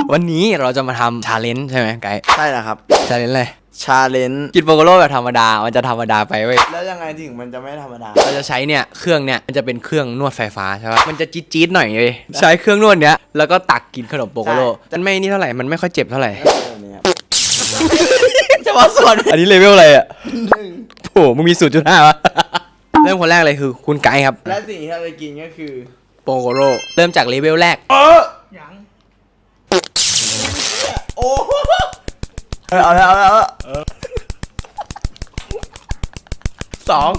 วันนี้เราจะมาทำชาเลนจ์ใช่ไหมไกด์ใช่แล้วครับชาเลนจ์เลยชาเลนจ์กินโปโกโร่แบบธรรมดามันจะธรรมดาไปเว้ยแล้วยังไงถึงมันจะไม่ธรรมดาเราจะใช้เนี่ยเครื่องเนี่ยมันจะเป็นเครื่องนวดไฟฟ้าใช่ปะมันจะจี๊ดๆหน่อยเลยใช้เครื่องนวดเนี้ยแล้วก็ตักกินขนมโปโกโร่มันไม่นี่เท่าไหร่มันไม่ค่อยเจ็บเท่าไหร่แบบนี้ครับจะมาสอนอันนี้เลเวลอะไรอ่ะโอ้มึงมี 0.5 วะ เริ่มคนแรกเลยคือคุณไกด์ครับและสิ่งที่เราจะกินก็คือโปโกโร่เริ่มจากเลเวลแรกยังโอ้เอาแล้วสอง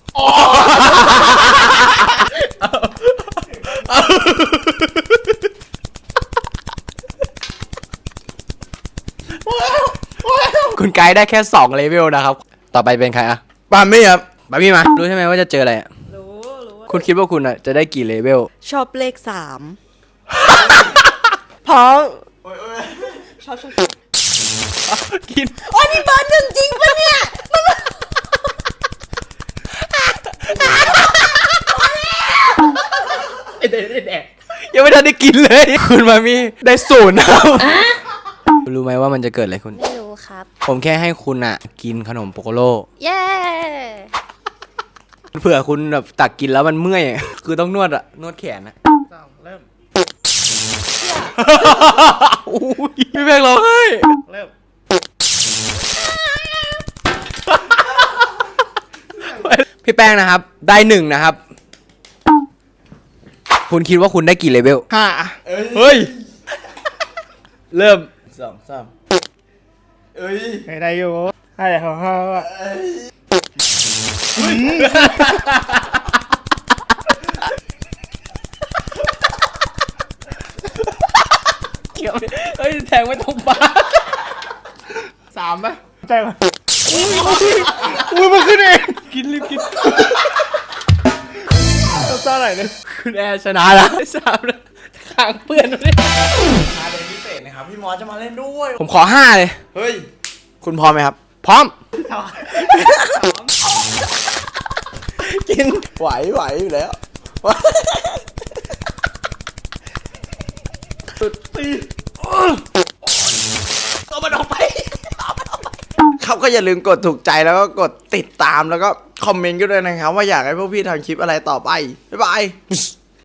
คุณไกด์ได้แค่2เลเวลนะครับต่อไปเป็นใครอะปามี่ครับบาร์บี้มารู้ใช่ไหมว่าจะเจออะไรอะรู้ว่าคุณคิดว่าคุณอะจะได้กี่เลเวลชอบเลข3 เพราะชอบกินโอ้ยนี่เบอร์หนึ่งจริงปะเนี่ยยังไม่ทันได้กินเลย คุณมามีได้0นะครับรู้ไหมว่ามันจะเกิดอะไรคุณไม่รู้ครับผมแค่ให้คุณอะกินขนมโปโกโร่เย้เผื่อคุณแบบตักกินแล้วมันเมื่อยอะคือต้องนวดอะนวดแขนอะเริ่มอุ้ยพี่แบงค์ร้องไห้เริ่มพี่แป้งนะครับ ได้1นะครับ คุณคิดว่าคุณได้กี่เลเวล 5 เฮ้ย เริ่ม 2 3เอ้ยไม่ได้อยู่อะไรของเขาอะเฮ้ยแทงไม่ตรงปาก 3 ป่ะใช่ป่ะอุ้ยมันขึ้นเองกินรีบกินต้องซ่าไหนเนี่ยคุณแอร์ชนะแล้ว3แล้วขางเปื้อนเลยชาเลนจ์พิเศษนะครับพี่มอสจะมาเล่นด้วยผมขอ5เลยเฮ้ยคุณพร้อมไหมครับพร้อมกินไหวอยู่แล้วสุดตีเอามันออกไปครับก็อย่าลืมกดถูกใจแล้วก็กดติดตามแล้วก็คอมเมนต์กันด้วยนะครับว่าอยากให้พวกพี่ทำคลิปอะไรต่อไป บ๊ายบาย